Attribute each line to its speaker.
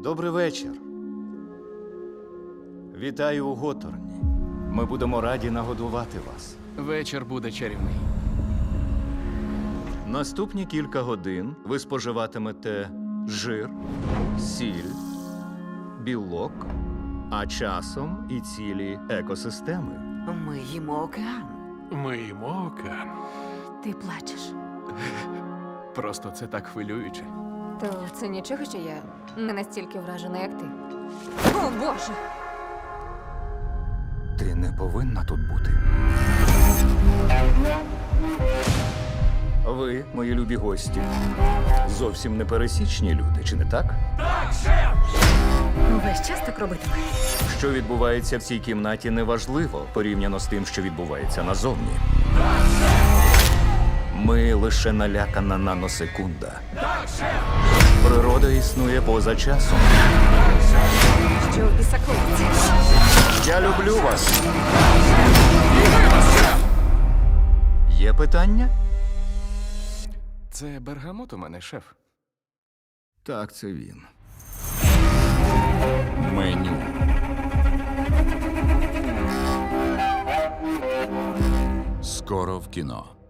Speaker 1: Добрий вечір. Вітаю у Готорні. Ми будемо раді нагодувати вас.
Speaker 2: Вечір буде чарівний.
Speaker 1: Наступні кілька годин ви споживатимете жир, сіль, білок, а часом і цілі екосистеми.
Speaker 3: Ми їмо океан.
Speaker 4: Ми їмо океан.
Speaker 5: Ти плачеш.
Speaker 2: Просто це так хвилююче.
Speaker 5: То це нічого, що я не настільки вражена, як ти. О, Боже!
Speaker 1: Ти не повинна тут бути. Ви, мої любі гості, зовсім не пересічні люди, чи не так?
Speaker 5: Весь час так робитиме.
Speaker 1: Що відбувається в цій кімнаті, неважливо порівняно з тим, що відбувається назовні. Ми лише налякана наносекунда. Природа існує поза часом.
Speaker 5: Що у біса коїться?
Speaker 1: Я люблю вас. Є питання?
Speaker 2: Це бергамот у мене, шеф.
Speaker 1: Так, це він. Меню.
Speaker 6: Скоро в кіно.